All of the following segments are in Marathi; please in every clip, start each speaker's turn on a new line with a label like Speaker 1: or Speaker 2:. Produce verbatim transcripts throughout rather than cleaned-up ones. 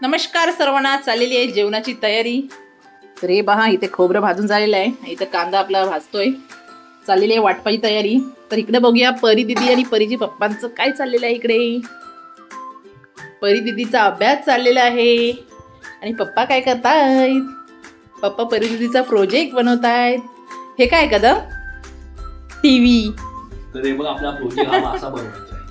Speaker 1: नमस्कार सर्वांना, चाललेली आहे जेवणाची तयारी. तर हे पहा, इथे खोबरं भाजून झालेलं आहे, इथं कांदा आपला भाजतोय, चाललेली आहे वाटपाची तयारी. तर इकडे बघूया परी दिदी आणि परीजी पप्पांचं काय चाललेलं आहे. इकडे परी दिदीचा अभ्यास चाललेला आहे आणि पप्पा काय करतायत. पप्पा परी दिदीचा प्रोजेक्ट बनवतायत. हे काय कदम टीव्ही.
Speaker 2: तर हे बघ आपला प्रोजेक्ट हा असा बनवायचा आहे.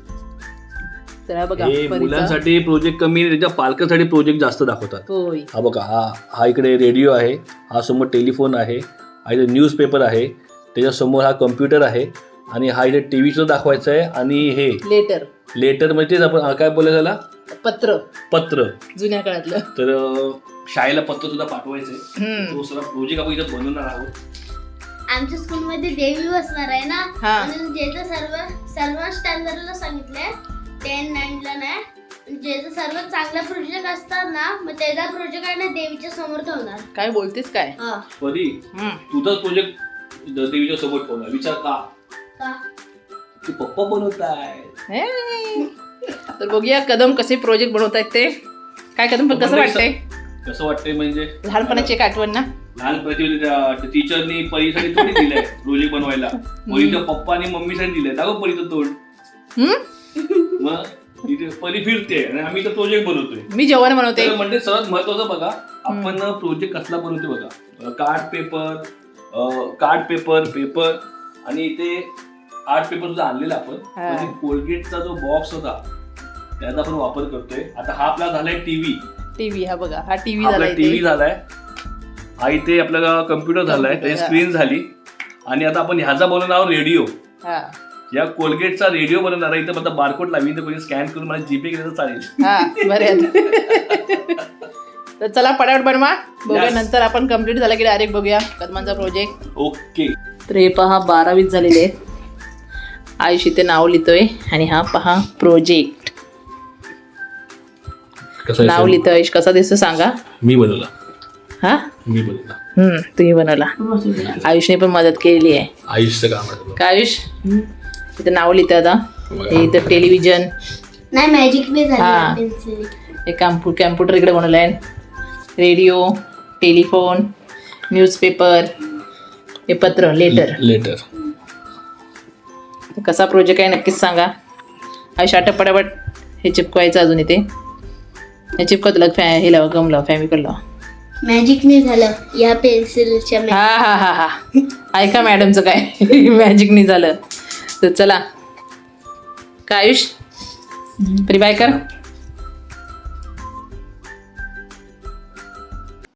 Speaker 1: तर बघा
Speaker 2: हे मुलांसाठी प्रोजेक्ट कमी, त्याच्या पालकांसाठी प्रोजेक्ट जास्त दाखवतात.
Speaker 1: होय.
Speaker 2: हा बघा, हा हा इकडे रेडिओ आहे, हा समोर टेलिफोन आहे, हा इथे न्यूजपेपर आहे, त्याच्यासमोर हा कम्प्युटर आहे आणि हा इथे टीव्ही सुद्धा दाखवायचा आहे. आणि हे
Speaker 1: लेटर
Speaker 2: लेटर म्हणजे तेच आपण काय बोलायचं त्याला,
Speaker 1: पत्र
Speaker 2: पत्र
Speaker 1: जुन्या काळातलं.
Speaker 2: तर अं, शाळेला पत्र सुद्धा पाठवायचंय.
Speaker 1: हम्म.
Speaker 2: तो सगळा प्रोजेक्ट आपण इथे बनवणार आहोत.
Speaker 3: आमच्या स्कूलमध्ये देवी बसणार आहे ना,
Speaker 1: हा.
Speaker 3: म्हणून जेचं सर्व सर्व स्टँडर्डला सांगितलंय, टेन नाईनला नाही, जेचं सर्व चांगला प्रोजेक्ट असतात ना, मग त्याचा प्रोजेक्ट आहे ना देवीच्या समोर ठेवणार.
Speaker 1: काय बोलतेस काय.
Speaker 3: हा.
Speaker 2: परी,
Speaker 1: हम्म.
Speaker 2: तुझा प्रोजेक्ट देवीच्या सोबत ठेवला, विचार का
Speaker 3: का?
Speaker 2: तू पप्पा बनवताय.
Speaker 1: हे. तर बघूया कदम कसे प्रोजेक्ट बनवतायत ते. काय कदम पण कसं वाटतंय.
Speaker 2: कसं वाटतंय म्हणजे
Speaker 1: लहानपणाची एक आठवण ना.
Speaker 2: लहानपणी टीचरनी परीसाठी थोडी दिलंय प्रोजेक्ट बनवायला, परीच्या पप्पा आणि मम्मीसाठी दिलंय. दाखव परीचं तोंड.
Speaker 1: हम्म.
Speaker 2: मग तिथे परी फिरते आणि आम्ही तर प्रोजेक्ट बनवतोय.
Speaker 1: मी जेवण बनवते.
Speaker 2: तर म्हणजे सर्वात महत्वाचं बघा, आपण प्रोजेक्ट कसला बनवतो बघा. Card paper, card paper paper आणि इथे आर्ट पेपर सुद्धा आणलेला आपण. म्हणजे कोलगेटचा जो बॉक्स होता त्याचा आपण वापर करतोय. आता हा आपला झालाय टीव्ही.
Speaker 1: टीव्ही हा बघा, हा टीव्ही
Speaker 2: आपला
Speaker 1: झालाय.
Speaker 2: टीव्ही झालाय, हा इथे आपल्याला कम्प्युटर झालाय, त्याची स्क्रीन झाली. आणि आता आपण ह्याचा बनवणार आहोत रेडिओ.
Speaker 1: हा
Speaker 2: या कोलगेटचा रेडिओ बनवणार आहे. इथं मला बारकोड लावी, तर कोणी स्कॅन करून मला जीपे केलं तर चालेल.
Speaker 1: हा बरे. तर चला पटापट बनवा, बघूया.
Speaker 2: Yes.
Speaker 1: नंतर आपण कम्प्लीट झाला की डायरेक्ट बघूया कदमांचा प्रोजेक्ट.
Speaker 2: ओके.
Speaker 1: तर हे पहा बारावीत झालेले आहेत. आयुष इथे नाव लिहितोय आणि हा पहा प्रोजेक्ट नाव लिहितोय. आयुष कसा दिसतो सांगा.
Speaker 2: मी बनवला.
Speaker 1: हा
Speaker 2: मी बनवला.
Speaker 1: हम्म तुम्ही बनवला. आयुषने पण मदत केलेली आहे.
Speaker 2: आयुषचं काम आहे.
Speaker 1: काय आयुष इथं नाव लिहितं आता. हे इथं टेलिव्हिजन,
Speaker 3: नाही मॅजिक बी
Speaker 1: हा.
Speaker 3: झाली पेन्सिल.
Speaker 1: हे कॅम्पु कॅम्प्युटर इकडे बनवलं आहे. रेडिओ, टेलिफोन, न्यूजपेपर, हे पत्र लेटर.
Speaker 2: लेटर.
Speaker 1: कसा प्रोजेक्ट आहे नक्कीच सांगा. आयुष आटप पटापट हे चिपकवायचं अजून इथे. हे चिपकत लग फॅ हे लावा, गम लावा, फॅमिकल लावा.
Speaker 3: मॅजिक नाही झालं या पेन्सिलच्या.
Speaker 1: हा हा हा हा ऐका मॅडमचं काय मॅजिक नाही झालं. तर चला काय आयुष, प्री बाय कर.